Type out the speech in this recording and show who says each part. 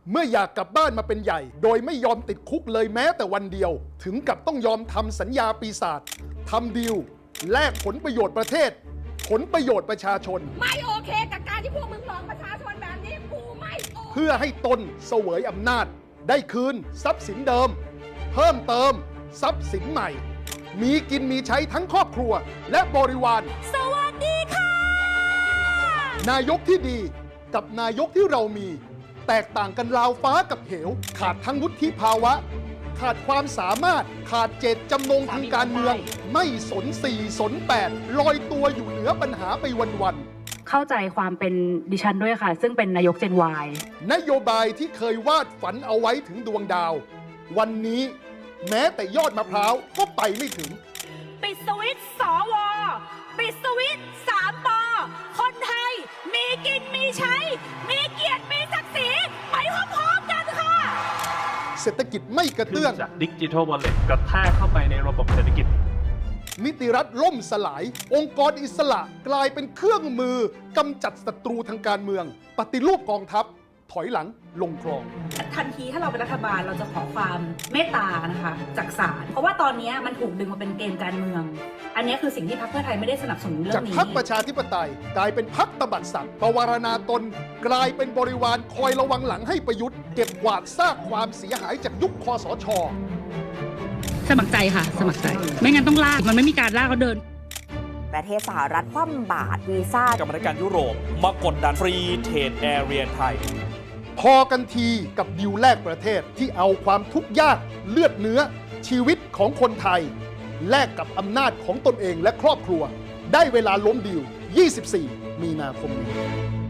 Speaker 1: เมื่ออยากกลับบ้านมาเป็นใหญ่โดยไม่ยอมติดคุกเลยแม้แต่วันเดียวถึงกับต้องยอมทำสัญญาปีศาจทำดีลแลกผลประโยชน์ประเทศผลประโยชน์ประชาชน
Speaker 2: ไม่โอเคกับการที่พวกมึงหลอกประชาชนแบบนี้กูไม่โอเค
Speaker 1: เพื่อให้ตนเสวยอำนาจได้คืนทรัพย์สินเดิมเพิ่มเติมทรัพย์สินใหม่มีกินมีใช้ทั้งครอบครัวและบริวาร
Speaker 2: สวัสดีค่ะ
Speaker 1: นายกที่ดีกับนายกที่เรามีแตกต่างกันราวฟ้ากับเหวขาดทั้งวุฒิภาวะขาดความสามารถขาดเจตจำนงทางการเมืองไม่สน4สน8ลอยตัวอยู่เหนือปัญหาไปวัน
Speaker 3: ๆเข้าใจความเป็นดิฉันด้วยค่ะซึ่งเป็นนายกเจน Y
Speaker 1: นโยบายที่เคยวาดฝันเอาไว้ถึงดวงดาววันนี้แม้แต่ยอดมะพร้าวก็ไปไม่ถึง
Speaker 2: ปิดสวิตช์สวปิดสวิตช์3 ปคนไทยมีกินมีใช้มีเกียรติมีศักดิ์ศรีไปพร้อมๆกันค่ะ
Speaker 1: เศรษฐกิจไม่กระเตื้อง
Speaker 4: จากดิจิทัลวอลเล็ตกระแทกเข้าไปในระบบเศรษฐกิจ
Speaker 1: นิติรัฐล่มสลายองค์กรอิสระกลายเป็นเครื่องมือกำจัดศัตรูทางการเมืองปฏิรูปกองทัพถอยหลังลงคลอง
Speaker 3: ทันทีถ้าเราเป็นรัฐบาลเราจะขอความเมตตานะคะจากศาลเพราะว่าตอนนี้มันถูกดึงมาเป็นเกมการเมืองอันนี้คือสิ่งที่พรรคเพื่อไทยไม่ได้สนับสนุนเรื่องนี้
Speaker 1: จากพรรคประชาธิปไตยกลายเป็นพรรคตบัดสัตว์ประวารณาตนกลายเป็นบริวารคอยระวังหลังให้ประยุทธ์เก็บกวาดซากความเสียหายจากยุคคสช.
Speaker 3: สมัครใจค่ะสมัครใจไม่งั้นต้องลากมันไม่มีการลากเขาเดิน
Speaker 5: ประเทศสหรัฐคว่ำบาตรวีซ่าก
Speaker 6: รรมการยุโรปมากดดันฟรีเทรดแอเรียไทย
Speaker 1: พอกันทีกับดิวแลกประเทศที่เอาความทุกข์ยากเลือดเนื้อชีวิตของคนไทยแลกกับอำนาจของตนเองและครอบครัวได้เวลาล้มดิว 24 มีนาคมนี้